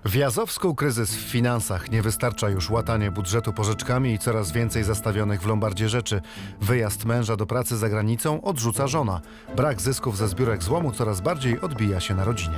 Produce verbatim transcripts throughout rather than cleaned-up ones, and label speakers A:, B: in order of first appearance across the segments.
A: W Jazowsku kryzys w finansach. Nie wystarcza już łatanie budżetu pożyczkami i coraz więcej zastawionych w lombardzie rzeczy. Wyjazd męża do pracy za granicą odrzuca żona. Brak zysków ze zbiórek złomu coraz bardziej odbija się na rodzinie.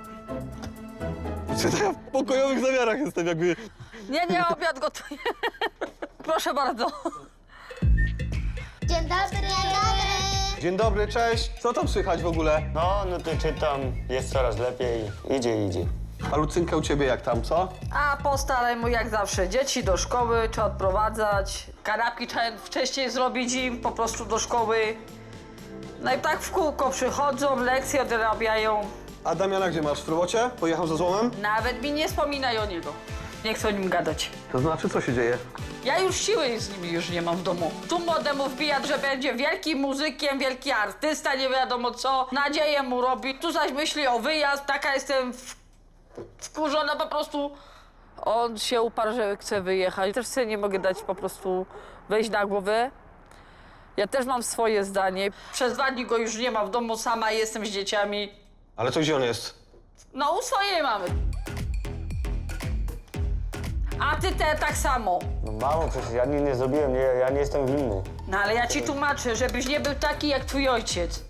B: Ja w pokojowych zamiarach jestem jakby...
C: Nie, nie, obiad gotuję. Proszę bardzo.
D: Dzień dobry! Dzień dobry!
B: Dzień dobry, cześć. Co tam słychać w ogóle?
E: No, no to czytam, jest coraz lepiej, idzie, idzie.
B: A Lucynka u ciebie jak tam, co?
C: A po staremu jak zawsze. Dzieci do szkoły trzeba odprowadzać. Kanapki trzeba wcześniej zrobić im po prostu do szkoły. No i tak w kółko przychodzą, lekcje odrabiają.
B: A Damiana gdzie masz? W robocie? Pojechał za złomem?
C: Nawet mi nie wspominaj o niego. Nie chcę o nim gadać.
B: To znaczy, co się dzieje?
C: Ja już siły z nim już nie mam w domu. Tu młodemu wbija, że będzie wielkim muzykiem, wielki artysta, nie wiadomo co. Nadzieję mu robi. Tu zaś myśli o wyjazd. Taka jestem w... wkurzona po prostu. On się uparł, że chce wyjechać. Też sobie nie mogę dać po prostu wejść na głowę. Ja też mam swoje zdanie. Przez dwa dni go już nie ma w domu, sama jestem z dzieciami.
B: Ale to gdzie on jest?
C: No u swojej mamy. A ty te tak samo.
E: No mało, przecież ja nic nie zrobiłem, nie, ja nie jestem winny.
C: No ale ja ci tłumaczę, żebyś nie był taki jak twój ojciec.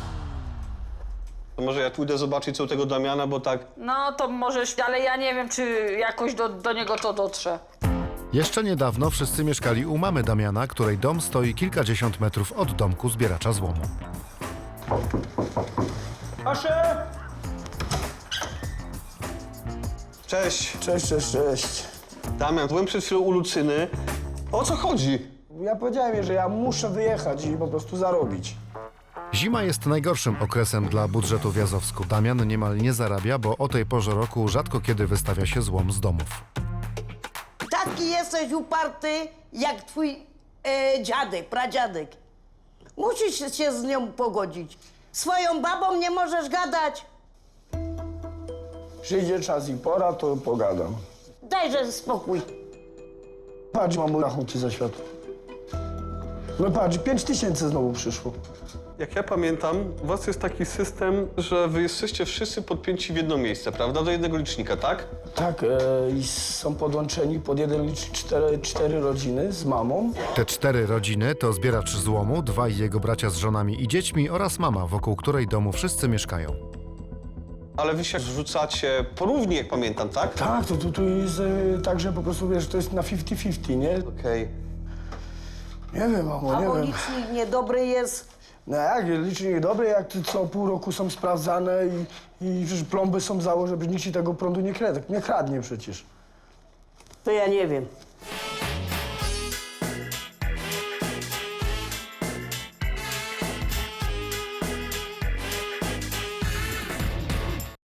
B: To może ja pójdę zobaczyć co u tego Damiana, bo tak...
C: No to możesz, ale ja nie wiem, czy jakoś do, do niego to dotrze.
A: Jeszcze niedawno wszyscy mieszkali u mamy Damiana, której dom stoi kilkadziesiąt metrów od domku zbieracza złomu.
B: Asze! Cześć.
F: Cześć, cześć, cześć.
B: Damian, byłem przed chwilą u Lucyny. O co chodzi?
F: Ja powiedziałem jej, że ja muszę wyjechać i po prostu zarobić.
A: Zima jest najgorszym okresem dla budżetu w Jazowsku. Damian niemal nie zarabia, bo o tej porze roku rzadko kiedy wystawia się złom z domów.
G: Taki jesteś uparty, jak twój e, dziadek, pradziadek. Musisz się z nią pogodzić. Swoją babą nie możesz gadać.
F: Przyjdzie czas i pora, to pogadam.
G: Dajże spokój.
F: Patrz, mam rachunki za światło. No patrz, pięć tysięcy znowu przyszło.
B: Jak ja pamiętam, u was jest taki system, że wy jesteście wszyscy podpięci w jedno miejsce, prawda? Do jednego licznika, tak?
F: Tak, e, i są podłączeni pod jeden licznik cztery, cztery rodziny z mamą.
A: Te cztery rodziny to zbieracz złomu, dwaj jego bracia z żonami i dziećmi oraz mama, wokół której domu wszyscy mieszkają.
B: Ale wy się zrzucacie porównie, jak pamiętam, tak?
F: Tak, to tu, tu jest e, tak, że po prostu wiesz, to jest na pięćdziesiąt pięćdziesiąt, nie?
B: Okej.
F: Nie wiem, mamo,
G: A
F: nie
G: bo
F: wiem.
G: licznik niedobry jest.
F: No jak, licznik dobry, jak ty co pół roku są sprawdzane i, i przecież plomby są założone, żeby nikt ci tego prądu nie kradnie, nie kradnie przecież.
G: To ja nie wiem.